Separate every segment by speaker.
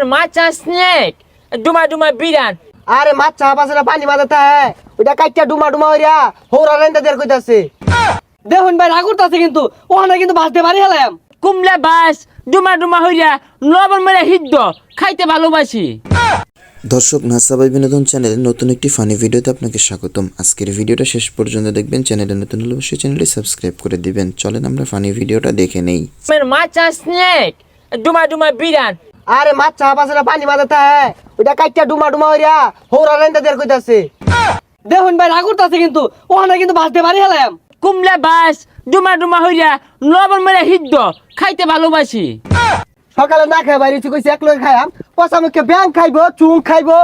Speaker 1: মাছা স্নেক ডুমা ডুমা বিরান।
Speaker 2: আরে মাছ পাশে পানি মাথাতে হ্যাঁ ওইটা কাইটা ডুমা ডুমা হইরা হৌরা রেন্দা দের কইতাছে।
Speaker 3: দেখুন ভাই রাগুর আছে কিন্তু ওখানে কিন্তু ভাসতে পারি হেলাম।
Speaker 1: কুমলা বাস ডুমা ডুমা হইরা লবণ মেরে হিদ্দ খাইতে ভালোবাসি।
Speaker 4: দর্শক নাসাবাই বিনোদন চ্যানেলের নতুন একটি ফানি ভিডিওতে আপনাকে স্বাগতম। আজকের ভিডিওটা শেষ পর্যন্ত দেখবেন। চ্যানেলে নতুন হলে অবশ্যই চ্যানেলটি সাবস্ক্রাইব করে দিবেন। চলেন আমরা ফানি ভিডিওটা দেখে নেই।
Speaker 1: মাছা স্নেক ডুমা ডুমা বিরান।
Speaker 2: আরে মাছ পাশে পানি মাথাতে হ্যাঁ ওইটা কাইটা ডুমা ডুমা হইরা হৌরা রেন্দা দের কইতাছে।
Speaker 3: দেখুন ভাই রাগুর আছে কিন্তু ওখানে কিন্তু ভাসতে পারি হেলাম।
Speaker 1: কুমলা বাস ডুমা ডুমা হইরা লবণ মেরে হিদ্দ খাইতে ভালোবাসি।
Speaker 2: সকালে না খাই বাইরে কইছে এক লোক খাইয়াম পচা মুখে ব্যাং খাইবো চুং খাইবো।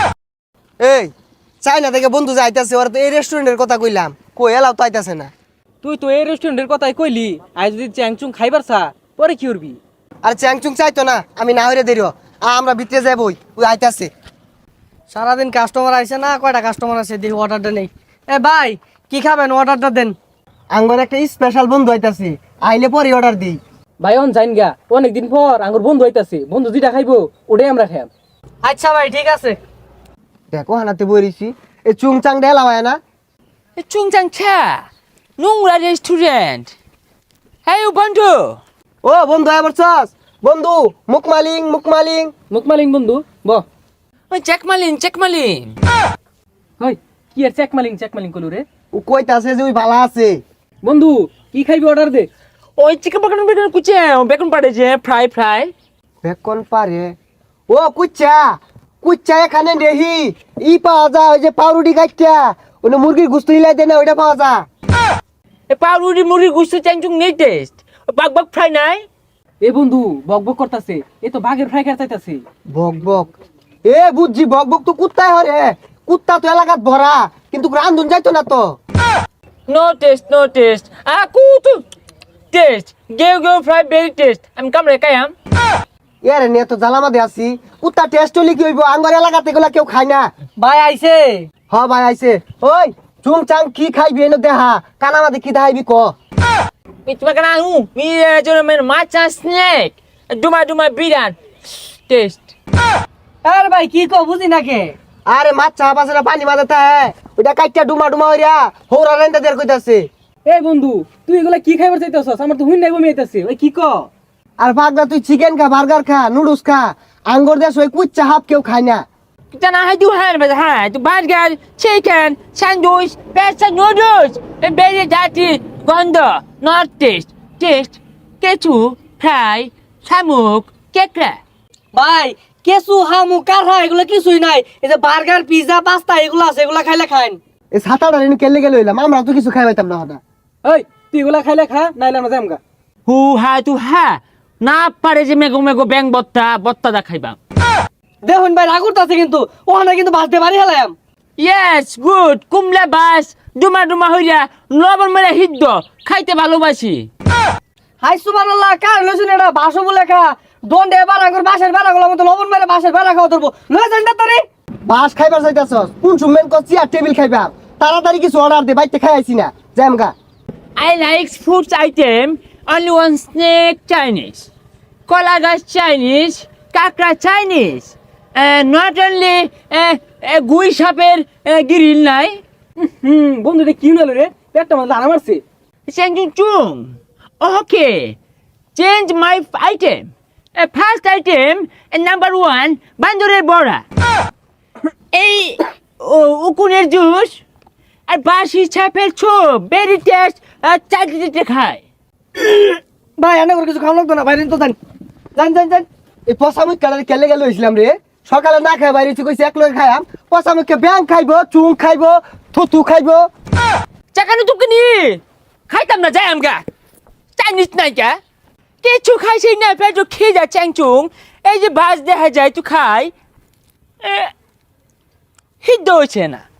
Speaker 2: এই চাইনা থেকে বন্ধু যাইতাছে ওরা তো এই রেস্টুরেন্টের কথা কইলাম কই এলাও তো আইতাছে না।
Speaker 3: তুই তো এই রেস্টুরেন্টের কথাই কইলি আজ যদি চ্যাংচুং খাইবার চা পরে কি করবি?
Speaker 2: আর চ্যাংচুং চাইতো না আমি না হইরে দেরিও আমরা ভিতরে যাবই ওই আইতাছে।
Speaker 3: সারাদিন কাস্টমার আইছে না, কয়টা কাস্টমার আছে দেখি অর্ডারটা নেই। এ ভাই কি খাবেন অর্ডারটা দেন।
Speaker 2: আঙ্গর একটা স্পেশাল বন্ধু আইতাছে আইলে পরে অর্ডার দিই।
Speaker 3: ভাই অন যাইন গা, অনেকদিন পর আঙ্গুর বন্ধু হইতাছে, বন্ধু যেটা খাইবো ওটাই আমরা খাইম। আচ্ছা ভাই ঠিক আছে।
Speaker 2: দেখো হানাতে বইরিছি এই চুং চাং ডেলা হয় না
Speaker 1: চুংচাং ছা নোংরা রেস্টুরেন্ট। হ্যাঁ বন্ধু
Speaker 2: ও বন্ধু আবার চাস বন্ধু মুকমালিং মুকমালিং
Speaker 3: মুকমালিং বন্ধু ব
Speaker 1: ওই চেকমালিন।
Speaker 3: হই কি আর চেকমালিং কলু রে।
Speaker 2: ও কইতাছে যে ওই ভালো আছে।
Speaker 3: বন্ধু কি খাইবি অর্ডার দে।
Speaker 1: ওই চিকেন বেকন কুচে বেকন পাড়েছে ফ্রাই।
Speaker 2: বেকন পারে ও কুচ্চা কুচ্চা এখানে নেহি ই পাওয়া যায় ওই যে পাউরুটি কাটটা ওনে মুরগির গুস্ত হিলাই দেয় না ওইটা পাওয়া যায়।
Speaker 1: এ পাউরুটি মুড়ি গুস্ত চ্যাংচুং নেই টেস্ট। বাগ ফ্রাই নাই।
Speaker 3: এ বন্ধু বক বক করতাছে, এ তো বাঘের ফ্রাই খাইতে চাইতাছে।
Speaker 2: বক বক এ বুঝছি বক বক তো কুত্তায় হরে কুত্তা তো এলাকাত ভরা কিন্তু রান্ধুন যাইতো না তো।
Speaker 1: নো টেস্ট কুতু টেস্ট গেও ফ্রাই ভেরি টেস্ট। আমি কামড়ে কায়াম।
Speaker 2: এরে নিয়ে তো জ্বালামাদে আছি কুত্তা টেস্ট হলে কি হইব আঙ্গর এলাকাতে এগুলা কেউ খায় না।
Speaker 3: ভাই আইছে।
Speaker 2: হ ভাই আইছে ওই চুং চাং কি খাইবি এনে দেহা কানামাদে কি দেখাইবি ক।
Speaker 1: তোমাকে না মি মাছা স্নেক ডুমা ডুমা বিরান টেস্ট।
Speaker 3: আরে ভাই কি কো বুঝি না কে।
Speaker 2: আরে মাছ পাশে পানি মাথাতে হ্যাঁ ওইটা কাইটা ডুমা ডুমা হইরা হৌরা রেন্দা দের কইতাছে।
Speaker 3: এ বন্ধু তুই এগুলা কি খাইবার চাইতাছস? আমার তো হুইন নাই বমি আইতাছে। ওই কি কো?
Speaker 2: আর ভাগনা তুই চিকেন খা বার্গার খা নুডলস খা আঙ্গর দেশ ওই কুচ্চা হাফ কেউ খায় না।
Speaker 1: Then I do have the burger, chicken, sandwich, pasta noodles, and very dirty gondo, not taste. Kechu, fry, samuk, kekra.
Speaker 3: ভাই কেসু হামু কারহা এগুলা কিছুই নাই। এই যে বার্গার পিজা পাস্তা এগুলা আছে, এগুলা খাইলে খাইন।
Speaker 2: এই সাতাটা রেন কেলে গেলে হইলাম আমরা তো কিছু খাই পাইতাম না হঠাৎ।
Speaker 3: ওই তুই এগুলা খাইলে খা, নাইলে আমরা যামগা।
Speaker 1: Who ha to ha? Na pare je mego bang botta da khaiba.
Speaker 3: দেখুন ভাই রাগুর আছে কিন্তু ওখানে কিন্তু ভাসতে পারি হেলাম।
Speaker 1: Yes, good. Kumla bas, ডুমা হইরা লবণ মেরে হিদ্দ খাইতে ভালোবাসি।
Speaker 3: হাই সুবহানাল্লাহ কার লইছেন এটা ভাষো বলে খা। দন্ডে বারাগর বাসের বারাগুলোর মতো লবণ মেরে বাসের বারা খাওয়া ধরবো। লয়ে যান না তোরে।
Speaker 2: বাস খাইবার চাইতাছস কোন সুমেন কো চেয়ার টেবিল খাইবা তাড়াতাড়ি কিছু অর্ডার দে বাইতে খাই আইছি না যামগা।
Speaker 1: I like food item only one snake Chinese, Kolagas Chinese, Kakra Chinese, not only গুই সাপের গ্রিল নাই।
Speaker 3: বন্ধু এটা কি হলো রে? পেটটা মানে লানা মারছে।
Speaker 1: Chung. Okay, change my item. First item, number one, বান্দরের বড়া। এই উকুনের জুস আর বাসি ছাপের ছোপ ভেরি টেস্ট চাকরিতে খায়।
Speaker 3: ভাই এনে করে কিছু খাওয়া লাগতো না, বাইরে তো যান যান।
Speaker 2: এই পসামুখ কালারে কেলে গেলে হইছিলাম রে সকালে না খাই বাইরে কইছে এক লোক খাইয়াম পসামুখে ব্যাং খাইবো চুং খাইবো থুতু খাইবো।
Speaker 1: চাকানো তুমি নি খাইতাম না যাই আমগা চাইনিজ নাই কা কিছু খাইছি না পেট খেয়ে যা চ্যাংচুং। এই যে বাস দেখা যায় তুই খাই হিদ্দ হয়েছে না।